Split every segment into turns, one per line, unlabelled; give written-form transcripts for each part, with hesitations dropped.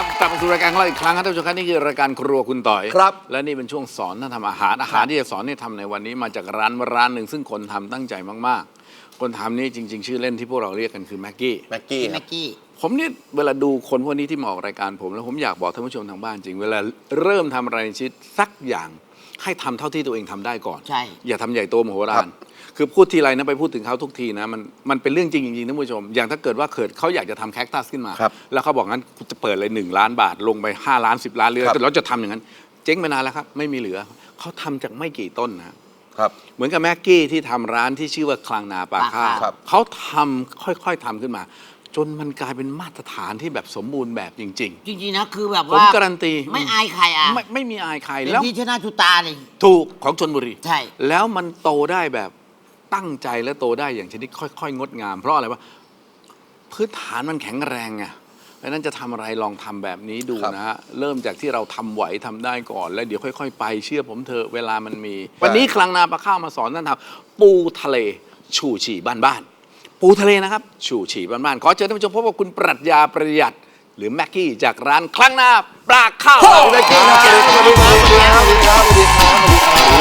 กลับมาสู่รายการของเราอีกครั้งครับท่านผู้ชมครับนี่คือรายการครัวคุณต่อย
ครับ
และนี่เป็นช่วงสอนท่านทำอาหารที่จะสอนให้ทำในวันนี้มาจากร้านหนึ่งซึ่งคนทำตั้งใจมากๆคนทำนี่จริงๆชื่อเล่นที่พวกเราเรียกกันคือแม็กกี้
แม็กกี้
แม็กกี้
ผมเนี่ยเวลาดูคนพวกนี้ที่มาออกรายการผมแล้วผมอยากบอกท่านผู้ชมทางบ้านจริงเวลาเริ่มทำอะไรในชีวิตสักอย่างให้ทำเท่าที่ตัวเองทำได้ก่อน
ใช่
อย่าทำใหญ่โตมโหฬารคือพูดทีไรนะไปพูดถึงเขาทุกทีนะมันเป็นเรื่องจริงจริงๆท่านผู้ชมอย่างถ้าเกิดว่าเขาอยากจะทำแคคตัสขึ้นมา แล้วเขาบอกงั้นจะเปิดเลย1 ล้านบาทลงไป5 ล้าน10 ล้านเลยเราจะทำอย่างนั้นเจ๊งไปนานแล้วครับไม่มีเหลือเขาทำจากไม่กี่ต้นนะครับเหมือนกับแม็กกี้ที่ทำร้านที่ชื่อว่าคลังนาปลาข้าวเขาทำค่อยๆทำขึ้นมาจนมันกลายเป็นมาตรฐานที่แบบสมบูรณ์แบบจริง
จริงๆนะคือแบบ
ๆ ผม
ว่า
การันตี
ไม่อายใครอ่ะ
ไม่มีอายใคร
เป็น
แล้ว
ที่ชนะชูตาเลย
ถูกของชลบุรี
ใช่
แล้วมันโตได้แบบตั้งใจและโตได้อย่างชนิดค่อยๆงดงาม เพราะอะไรวะพื้นฐานมันแข็งแรงไงเพราะนั้นจะทำอะไรลองทำแบบนี้ดูนะฮะเริ่มจากที่เราทำไหวทำได้ก่อนแล้วเดี๋ยวค่อยๆไปเชื่อผมเถอะเวลามันมี วันนี้คลังนาปลาข้าวมาสอนท่านทำปูทะเลชูชีบ้านๆปูทะเลนะครับชูชีบ้านๆขอเชิญท่านผู้ชมพบกับคุณปรัชญาประหยัดหรือแม็กกี้จากร้านคลังนาปลาข้าวแม็กกี้ครับ
สวัสดีครับสวัสดีครับสวัสดีครับสวัสดี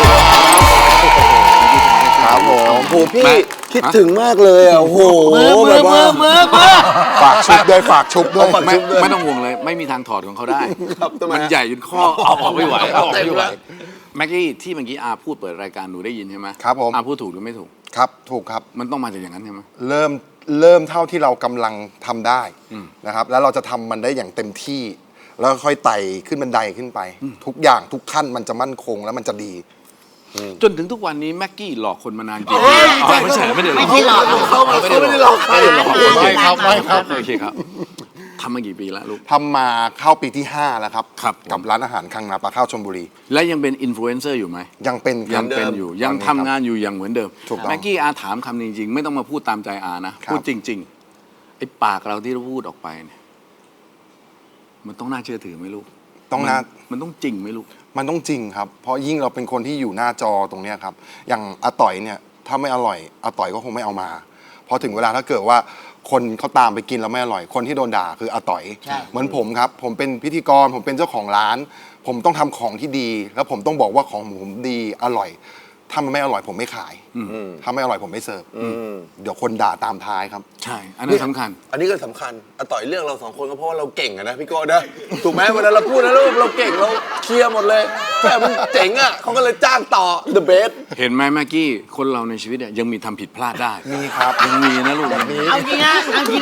ครับผมโอ้พี่คิดถึงมากเลยอ่ะโอ้โหแบบว่าฝากชุบด้วยฝากชุบด้วย
ไม่ต้องห่วงเลยไม่มีทางถอดของเขาได้
ครับทำไม
มันใหญ่จนข้อเอาออกไม่ไหวเอาออกไม่ไหวแม็กกี้ที่เมื่อกี้อาพูดเปิดรายการหนูได้ยินใช่ไหม
ครับผม
อาพูดถูกหรือไม่ถูก
ครับถูกครับ
มันต้องมาจากอย่างนั้นใช่ไหม
เริ่มเท่าที่เรากำลังทำได้นะครับแล้วเราจะทำมันได้อย่างเต็มที่ แล้วค่อยไต่ขึ้นบันไดขึ้นไป ทุกอย่างทุกขั้นมันจะมั่นคงแล้วมันจะดี
จนถึงทุกวันนี้แม็กกี้หลอกคนมานานกี่ปีไม่ใช่ไม่ได้หลอก
ไม่ใช่หลอก
เขาไม่ได้หลอกใคร
ไม่ครับไม่ครับโอเคครับทำมากี่ปีแล้วลูก
ทำมาเข้าปีที่ 5 แล้วครับ
ครับ
กับร้านอาหารคังนาปลาข้าวชลบุรี
และยังเป็นอินฟลูเอนเซอร์อยู่ไหม
ยังเป็น
ยังเป็นอยู่ยังทำงานอยู่อย่างเหมือนเดิม
ถูกต้อง
แม็กกี้อาถามคำจริงๆไม่ต้องมาพูดตามใจอานะครับ พูดจริงๆไอ้ปากเราที่เราพูดออกไปเนี่ยมันต้องน่าเชื่อถือไหมลูก
ต้องน่า
มันต้องจริงไหมลูก
มันต้องจริงครับ เพราะยิ่งเราเป็นคนที่อยู่หน้าจอตรงเนี้ยครับ อย่างอาต่อยเนี่ยถ้าไม่อร่อยอาต่อยก็คงไม่เอามา พอถึงเวลาถ้าเกิดว่าคนเขาตามไปกินแล้วไม่อร่อย คนที่โดนด่าคืออาต่อย
ใช่
เหมือนผมครับ ผมเป็นพิธีกร ผมเป็นเจ้าของร้าน ผมต้องทำของที่ดี แล้วผมต้องบอกว่าของผมดีอร่อย ถ้ามันไม่อร่อยผมไม่ขาย ถ้าไม่อร่อยผมไม่เสิร์ฟ เดี๋ยวคนด่าตามท้ายครับ
ใช่ อันนั้นสำคัญ
อันนี้ก็สำคัญอาต่อยเรื่องเราสองคนก็เพราะว่าเราเก่งอะนะพี่โก้นะถูกไหมเวลาเราพูดนะเราเก่งเราเคลียร์หมดเลยแค่มันเจ๋งอะเขาก็เลยจ้างต่อ the best
เห็นไหมแม็กกี้คนเราในชีวิตเนี่ยยังมีทำผิดพลาดได้
มีครับ
ยังมีนะลูก
เอาจริงนะ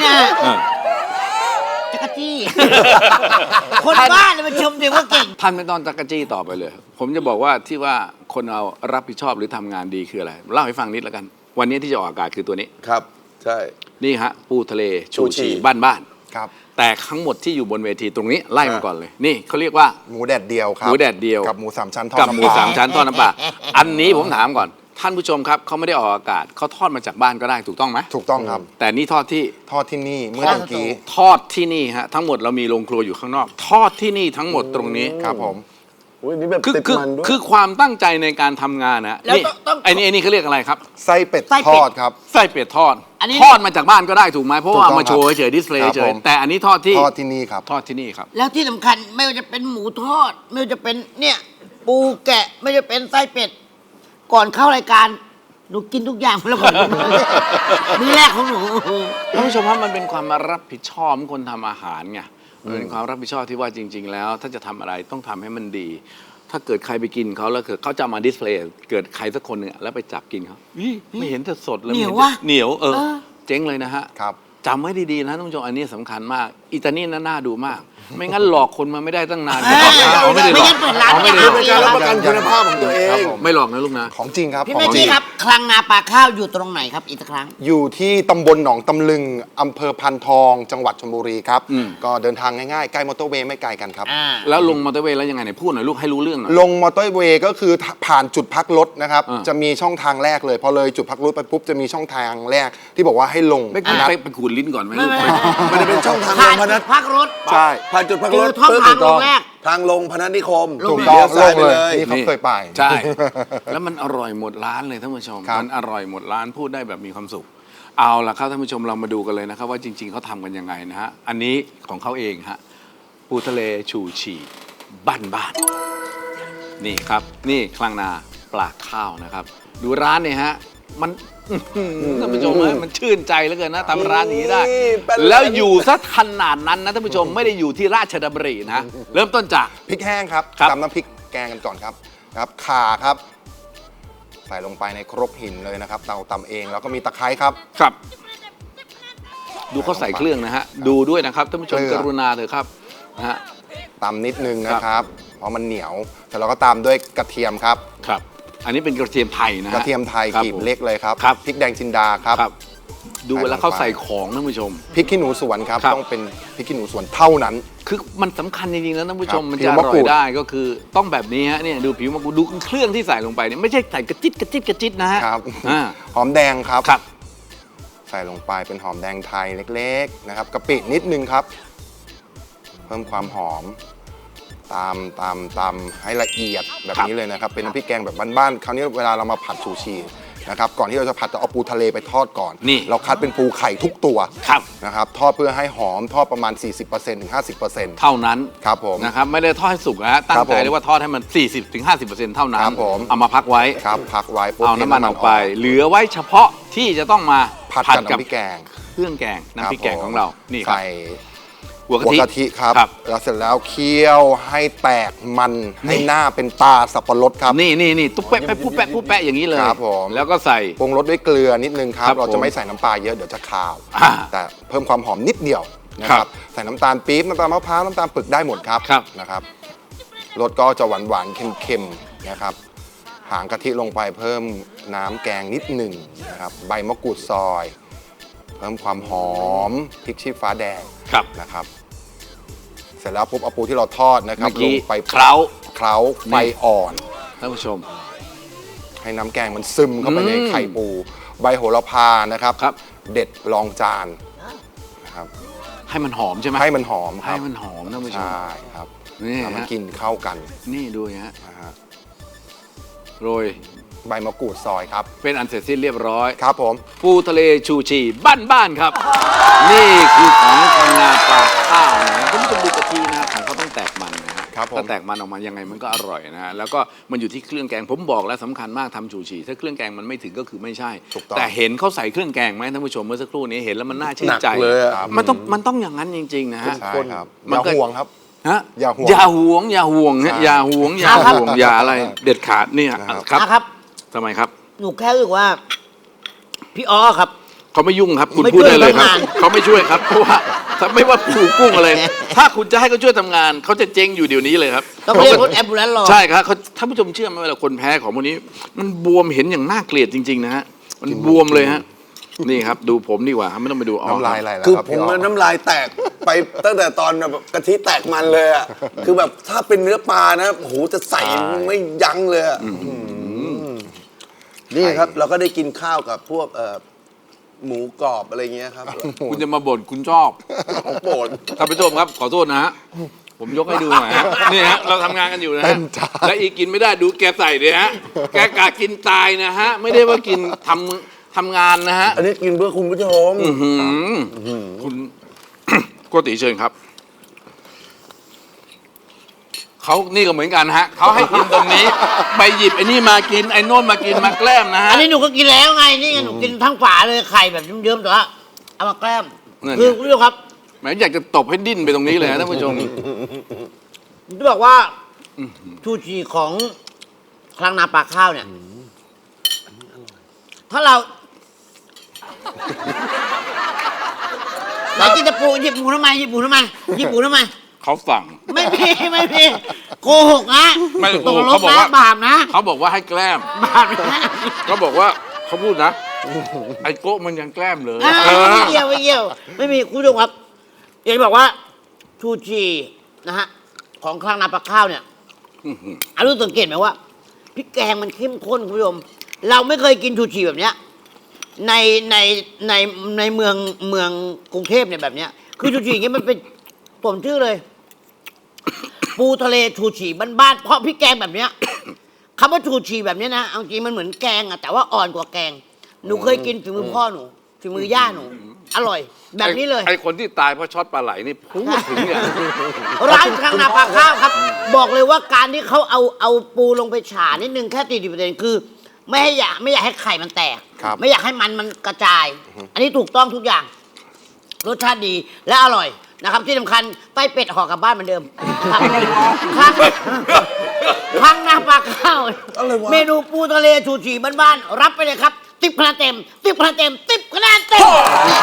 จักรจี้ คนบ้าเลยมาชมเด็กว่าเก่ง
ท่านไม่ต้องจักรจี้ต่อไปเลย ผมจะบอกว่าที่ว่าคนเรารับผิดชอบหรือทำงานดีคืออะไรเล่าให้ฟังนิดแล้วกัน วันนี้ที่จะออกอากาศคือตัวนี้
ครับใช่
นี่ฮะปูทะเลชู
ชูชี
ชีบ้าน
ครับ
ๆแต่ทั้งหมดที่อยู่บนเวทีตรงนี้ไล่มาก่อนเลย นี่เขาเรียกว่า
หมูแดดเดียวครับ
หมูแดดเดียว
กับหมูสามชั้นทอด
กับ
น้ำ
ห
ป
มู
ลา
สามชั้นทอดน้ำปลาอันนี้ผมถามก่อน ท่านผู้ชมครับเขาไม่ได้ออกอากาศเขาทอดมาจากบ้านก็ได้ถูกต้องไหม
ถูกต้องครับ
แต่นี่ทอดที่
ทอดที่นี่เมื่อตะกี้
ทอดที่นี่ฮะทั้งหมดเรามีโรงครัวอยู่ข้างนอก ทอดที่นี่ทั้งหมดตรงนี้
ครับผม
อุ้ยนี่แบบ
คือ
ติด
คือ
มันด้วย
คือความตั้งใจในการทำงานนะ
แล้ว
นี่
ต้อง
ไอ้นี่เขาเรียกอะไรครับ
ไส้เป็ด
ไส้เป็ด
ทอดครับ
ไส้เป็ดทอด
อันนี้
ทอดมาจากบ้านก็ได้ถูกไหมเพราะว่า
ถูกต้อง
เอามาโชว์เฉยดิสเพลย์
ครับ
เฉ
ผ
ย
ม
แต่อันนี้ทอดที่
ทอดที่นี่ครับ
ทอดที่นี่ครับ
แล้วที่สำคัญไม่ว่าจะเป็นหมูทอด ไม่ว่าจะเป็นเนี่ยปูแกะไม่ว่าจะเป็นไส้เป็ด ก่อนเข้ารายการหนูกินทุกอย่างแล้วก่อนมื้อแรกของหนู
ท่านผู้ชมครับมันเป็นความรับผิดชอบของคนทำอาหารไงมันเป็นความรับผิดชอบที่ว่าจริง ๆ แล้ว ถ้าจะทำอะไรต้องทำให้มันดี ถ้าเกิดใครไปกินเขาแล้วเกิดเขาจะมาดิสเพลย์เกิดใครสักคนหนึ่งอะแล้วไปจับกินเขาไม่เห็นจะสดเลย
เหนียว
ไม่
วะ
เหนียวเจ๊งเลยนะฮะ
ครับ
จำไว้ดีๆนะท่านผู้ชมอันนี้สำคัญมากอิตาลีน่าดูมาก ไม่งั้นหลอกคนมาไม่ได้ตั้งนาน
ไม่งั้นเปิดร้าน
ไม่ได้หลอก
เป็นการรับประกันคุณภาพของตัวเอง
ครับผม
ไม่หลอกนะลูกนะ
ของจริงครับ
พี่
ของ
แม็ก
จริ
กี้
ง
ครับ คลังนาปลาข้าวอยู่ตรงไหนครับอีกสักครั้ง
อยู่ที่ตำบลหนองตำลึงอำเภอพันทอง จังหวัดชลบุรีครับ ก็เดินทางง่ายๆ ใกล้มอเตอร์เวย์ไม่ไกลกันครับ
แล้วลงมอเตอร์เวย์แล้วยังไงไหนพูดหน่อยลูกให้รู้เรื่องหน่อย
ลงมอเตอร์เวย์ก็คือผ่านจุดพักรถนะครับ
อ่า
จะมีช่องทางแรกเลย พอเลยจุดพักรถไปปุ๊บจะมีช่องทางแรกที่บอกว่าให้ลง
ไม่
นัด
ไปขูดลิ้นก่อนไหมลูก
มันจะเป็นช่องทางล
ผ่าน
งพนั
จุ
ส
ดพักรถ
ใช่
ผ่านจุดพักรถ
คือช่องทางลงแรก
ทางลงพนัสนิคม
ถูก
เลี้
ต้อง
ยวซ้ายไป
ลง
เลย
นี่เขาเคยไป
ใช่ แล้วมันอร่อยหมดร้านเลยท่านผู้ชม
ครับ
มันอร่อยหมดร้านพูดได้แบบมีความสุข เอาล่ะครับท่านผู้ชมเรามาดูกันเลยนะครับว่าจริง ๆเขาทำกันยังไงนะฮะอันนี้ของเขาเองฮะปูปูทะเลชูชีบ้านๆนี่ครับ นี่คลังนาปลาข้าวนะครับ ดูร้านเนี่ยฮะ มันท่านผู้ชมมันชื่นใจเหลือเกินนะทำร้านนี้ได้ แล้วอยู่ซะขนาดนั้นนะท่านผู้ชมไม่ได้อยู่ที่ราชดำรินะ เริ่มต้นจาก
พริกแห้งครับ
ครับ
ตำน้ำพริกแกงกันก่อนครับข่าครับ ใส่ลงไปในครกหินเลยนะครับเราตำเองแล้วก็มีตะไคร้ครับ
ครับ ดูเขาใส่เครื่องนะฮะ ดูด้วยนะครับท่านผู้ชม
เกลื
ก
อ
รุณาเถอะครับนะฮะ
ตำนิดนึงนะครับ เพราะมันเหนียวเสร็จแล้วก็ตามด้วยกระเทียมครับ
ครับ อันนี้เป็นกระเทียมไทยนะฮะ
กระเทียมไทย
ครับ
กลีบ
ผม
เล็กเลยครับ
ครับ
พริกแดงจินดาครับ
ครับ ดูเวลาเขา
ใส่
ใส่
ลงไป
ของท่านผู้ชม
พริกขี้หนูสวนครับ
ครับ
ต้องเป็นพริกขี้หนูสวนเท่านั้น
คือมันสำคัญจริงๆนะท่านผู้ชม
ครับ
มัน
ผิ
จะ
ว
อ
มะ
ร่
กรู
อย
ด
ได้ก็คือต้องแบบนี้ฮะเนี่ยดูผิวมะกรูดดูเครื่องที่ใส่ลงไปเนี่ยไม่ใช่ใส่กระจิตกระจิตกระจิตนะฮะ
ครับ
อ่า
หอมแดงครับ
ครับ
ใส่ลงไปเป็นหอมแดงไทยเล็กๆนะครับกะปินิดนึงครับ เพิ่มความหอมตามให้ละเอียดแบบนี้เลยนะครับ เป็นน้ำพริกแกงแบบบ้านๆคราวนี้เวลาเรามาผัดชูชีนะครับก่อนที่เราจะผัดจะเอาปูทะเลไปทอดก่อน
นี่
เราคัดเป็นปูไข่ทุกตัว
ครับ
นะครับทอดเพื่อให้หอมทอดประมาณ 40%ถึง 50%
เท่านั้น
ครับผม
นะครับไม่ได้ทอดให้สุกนะฮะตั้ง
ครับ
ใจ
ผม
เลยว่าทอดให้มัน 40-50%เท่านั้
ครั
น
บผม
เอามาพักไว้
ครับพักไว้ปุ๊บ
เอาน้ำมันออกไป เหลือไว้เฉพาะที่จะต้องมา
ผัดกับน้ำพริกแกง
เครื่องแกงน้ำพริกแกง
ผม
ของเรานี่ครับ
ใส่
หัว
หัว
กะทิ
กะทิครับ
ครับ
แล้วเสร็จแล้วเคี่ยวให้แตกมันให้หน้าเป็นตาสับปะรดครับ
นี่ตุ๊บแปะปุ๊บแปะปุ๊บแปะอย่างนี้เลย
ครับผม
แล้วก็ใส่
ปรุงรสด้วยเกลือนิดนึงครับ
ครับ
เรา
ผ
จะ
ม
ไม่ใส่น้ำปลาเยอะเดี๋ยวจะคาว
อ่า
แต่เพิ่มความหอมนิดเดียวนะค
ครั
รับบ ใส่น้ำตาลปี๊บน้ำตาลมะพร้าวน้ำตาลปึกได้หมดครับ
ครับ
นะครับรสก็จะหวานๆเค็มๆนะครับหางกะทิลงไปเพิ่มน้ำแกงนิดหนึ่งนะครับใบมะกรูดซอย เพิ่มความหอมพริกชี้ฟ้าแดง
ครับ
นะครับเสร็จแล้วปุ๊บเอาปูที่เราทอดนะครับ
เมื่อกี้
ลงไป
เคล้า
เคล้าไฟอ่อน
ท่านผู้ชม
ให้น้ำแกงมันซึมเข้าไปในไข่ปู ใบโหระพานะครับ
ครับ
เด็ดรองจานนะครับ
ให้มันหอมใช่ไหม
ให้มันหอมค
ให้
รับ
มันหอมท่านผู้ชม
ใช่ครับ
นี่
แล้วมัน
ฮะ
กินเข้ากัน
นี่ดูฮะ
นะฮะ
โรย
ใบมะกรูดซอยครับ
เป็นอันเสร็จสิ้นเรียบร้อย
ครับผม
ปูทะเลชูชีบ้านๆครับ นี่คือของทางนาปลาข้าวนะฮะคุณผู้ชมดูกะทินะฮะของเขาต้องแตกมันนะฮะ
ครับผม
ถ้าแตกมันออกมายังไงมันก็อร่อยนะฮะแล้วก็มันอยู่ที่เครื่องแกงผมบอกแล้วสำคัญมากทำชูชีถ้าเครื่องแกงมันไม่ถึงก็คือไม่ใช่
ถูกต้อง
แต่เห็นเขาใส่เครื่องแกงไหมท่านผู้ชมเมื่อสักครู่นี้เห็นแล้วมันน่าชื่นใจ
หนักเลยอะ
มันต้องอย่างนั้นจริงๆนะฮะ
ใช่ครับอ
มัน
ย่า
ก็
ห่วงครับ
ฮะ
อย่าห่วง
อย่าห่วงอย่าห่วงฮะ
ใช่
อย่าห่วงอย่าห่วงอย่าอะไรเด็ดขาดเนี่ย
นะครับ
ครับ
นะครับ
ทำไมครับ
หนูแค่รู้สึกว่า พี่อ้อครับ
เขาไม่ยุ่งครับ คุณ
ไม่
พูดได้เลยครับ
ช่วยทำงาน
เขาไม่ช่วยครับเพราะว่าถ้าไม่ว่าปูกุ้งอะไร ถ้าคุณจะให้เขาช่วยทำงาน เขาจะเจ๊งอยู่เดี๋ยวนี้เลยครับ
ต้องเรียกรถแอมบูเลนซ์รอ
ใช่ครับเขาท่านผู้ชมเชื่อไหมเวลาคนแพ้ของพวกนี้ มันบวมเห็นอย่างน่าเกลียดจริงๆนะฮะมันบวมเลยฮะนี่ครับดูผมดีกว่าครับไม่ต้องไปดูอ๋อ
น้ำลายไหลแล้ว
คือ
ครับ
ผม
พี่อ๋อ
มันน้ำลายแตกไปตั้งแต่ตอนแบบกะทิแตกมันเลยอ่ะ คือแบบถ้าเป็นเนื้อปลานะโอ้โหจะใส่ไม่ยั้งเลยอะนี่ครับ เราก็ได้กินข้าวกับพวกหมูกรอบอะไรเงี้ยครับ
คุณจะมาบ่นคุณชอบ
ของโปรด
ท่านผู้ชมครับขอโทษนะฮะผมยกให้ดูหน่อยฮะนี่ฮะเราทำงานกันอยู่นะ
เต็
ฮะ
มจาน
และอีกกินไม่ได้ดูแกใส่เลยฮะแกกะกินตายนะฮะไม่ได้ว่ากินทำงานนะฮะ
อันนี้กินเพื่อคุณผู้ชม
คุณ โกติเชิญครับ เขานี่ก็เหมือนกันฮะ เขาให้กินตรงนี้ ไปหยิบไอ้นี่มากิน ไอ้โน่นมากินมาแกล้มนะฮะ
อันนี้หนูก็กินแล้วไง นี่ไงหนูกินทั้งฝาเลยไข่แบบเยิ้มๆแต่ว่าเอามาแกล้ม
นั่นไง
คือคุณผู้ชมครับ
แหมอยากจะตบให้ดิ้นไปตรงนี้เลยฮะท่านผู้ชม
ผมจะบอกว่าชูชีของคลังนาปลาข้าวเนี่ยถ้าเราไหนกินจะปูหยิบปูทำไมหยิบปูทำไมหยิบปูทำไม
เขาสั่ง
ไม่มีไม่มีโกหกนะ
ไม่โก
ต
ห
ก
ก
ล
เขา
ง
บอก
นะ
ว่า
บาปนะ
เขาบอกว่าให้แกล้ม
บาปนะ
เขาบอกว่าเขาพูดนะ ไอ้โก้มันยังแกล้มเลย
ไม่เกี่ยวไม่เกี่ยวไม่มีคุณผู้ชมครับอยากจะบอกว่าชูชีนะฮะของคลังนาปลาข้าวเนี่ยอารู้สังเกตไหมว่าพริกแกงมันเข้มข้นคุณผู้ชมเราไม่เคยกินชูชีแบบเนี้ยในในเมืองกรุงเทพเนี่ยแบบเนี้ยคือชูชีอย่างเงี้ยมันเป็นผมชื่อเลย ปูทะเลชูชีบ้านๆเพราะพริกแกงแบบเนี้ยคำว่าชูชีแบบเนี้ยนะเอาจริงมันเหมือนแกงอะแต่ว่าอ่อนกว่าแกงหนูเคยกินฝีมือพ่อหนูฝีมือย่าหนู อร่อย แบบนี้เลย
ไอ้คนที่ตายเพราะช็อตปลาไหลนี่พูดถึงเนี่ย
ร้านข้างนาปลาข้าวครับ บอกเลยว่าการที่เขาเอาปูลงไปฉานิดนึงแค่40%คือ ไม่อยากให้ไข่มันแตก
ครับ
ไม่อยากให้มันกระจาย อันนี้ถูกต้องทุกอย่าง รสชาติดีและอร่อยนะครับ ที่สำคัญไต้เป็ดห่อกลับบ้านเหมือนเดิมข้างนาปลาข้าว
อะไรวะ
เมนูปูทะเลชูชีบ้านๆรับไปเลยครับ10 คะแนนเต็ม10 คะแนนเต็ม10 คะแนนเต็ม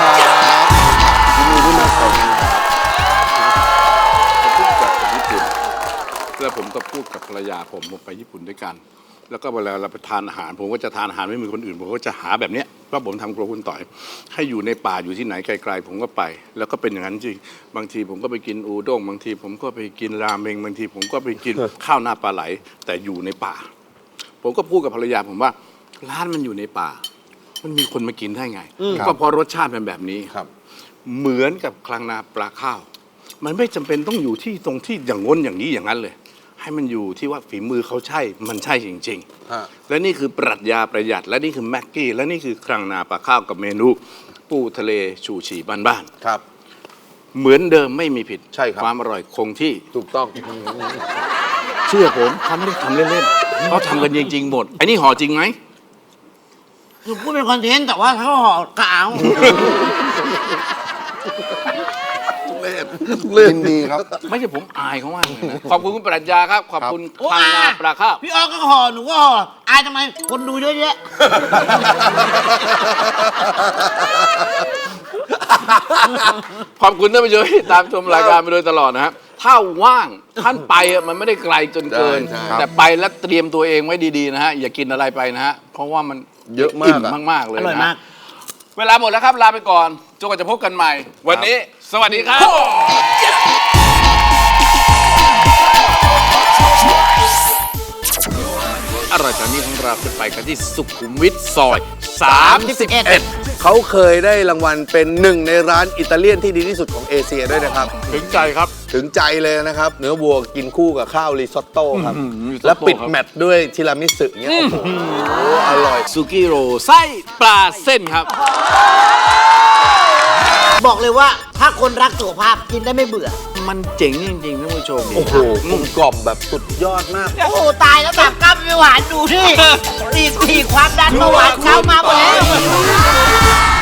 แล้วผมก็พูดกับภรรยาผมไปญี่ปุ่นด้วยกัน แล้วก็เวลาเราไปทานอาหาร ผมก็จะทานอาหารไม่เหมือนคนอื่นผมก็จะหาแบบเนี้ยเพราะผมทำครัวคุณต่อย ให้อยู่ในป่าอยู่ที่ไหนไกลๆผมก็ไป แล้วก็เป็นอย่างนั้นจริงบางทีผมก็ไปกินอูด้งบางทีผมก็ไปกินราเมงบางทีผมก็ไปกิน ข้าวหน้าปลาไหล แต่อยู่ในป่า ผมก็พูดกับภรรยาผมว่าร้านมันอยู่ในป่า มันมีคนมากินได้ไงก็เพราะรสชาติเป็นแบบนี้
ครับ
เหมือนกับคลังนาปลาข้าว มันไม่จำเป็นต้องอยู่ที่ตรงที่อย่างง้นอย่างนี้อย่างนั้นเลย ให้มันอยู่ที่ว่าฝีมือเขาใช่ มันใช่จริง
ฮะ
ๆ และนี่คือปรัชญาประหยัด และนี่คือแม็กกี้ และนี่คือคลังนาปลาข้าวกับเมนู ปูทะเลชูชีบ้าน
ครับ
ๆ เหมือนเดิมไม่มีผิด
ใช่ครับ
ความอร่อยคงที่
ถูกต้อง
เชื่อผมเขาไม่ได้ทำเล่นๆเขาทำกันจริงๆหมดไอ้นี่ห่อจริงไหม
คือพูดเป็นคอนเทนต์แต่ว่าถ้าห่อกาว
ยินดีครับ
ไม่ใช่ผมอายเขามากเลยนะขอบคุณคุณปรัชญาครับ ขอบคุณคลังนาปลาข้าว
พี่ออก็ห่อหนูก็ห่ออายทำไมคนดูเยอะแยะ
ขอบคุณท่านผู้ชมที่ตามชมรายการมาโดยตลอดนะฮะถ้าว่างท่านไปอะมันไม่ได้ไกลจนเกิน
ใช่
แต่ไปแล้วเตรียมตัวเองไว้ดีๆนะฮะอย่ากินอะไรไปนะฮะเพราะว่ามัน
เยอะมาก
อิ่ม
อะ
มากๆเลย
อร่อย
นะ
มาก
เวลาหมดแล้วครับลาไปก่อนจนกว่าจะพบกันใหม่ วันนี้ สวัสดีครับ อร่อยตอนนี้ของเราจะไปกันที่สุขุมวิทซอย 31
เขาเคยได้รางวัลเป็นหนึ่งในร้านอิตาเลียนที่ดีที่สุดของเอเชียด้วยนะครับ
ถึงใจครับ
ถึงใจเลยนะครับ เนื้อวัวกินคู่กับข้าวริซอตโต้ครับ
ริซอตโต้
แล้วปิด
ครับ
แมตช์ด้วยทีรามิสุเงี้ยโอ้โหอร่อย
ซูกิโรไส้ปลาเส้นครับ
บอกเลยว่าถ้าคนรักสุขภาพกินได้ไม่เบื่อ
มันเจ๋งจริงๆท่านผู้ชม
โอ้โหกลมกล่อมแบบสุดยอดมาก
โอ้โหตายแล้วแบบกล้ามไม่หวานดูที่ตีความดันเบาหวานเช้ามาหมดแล้ว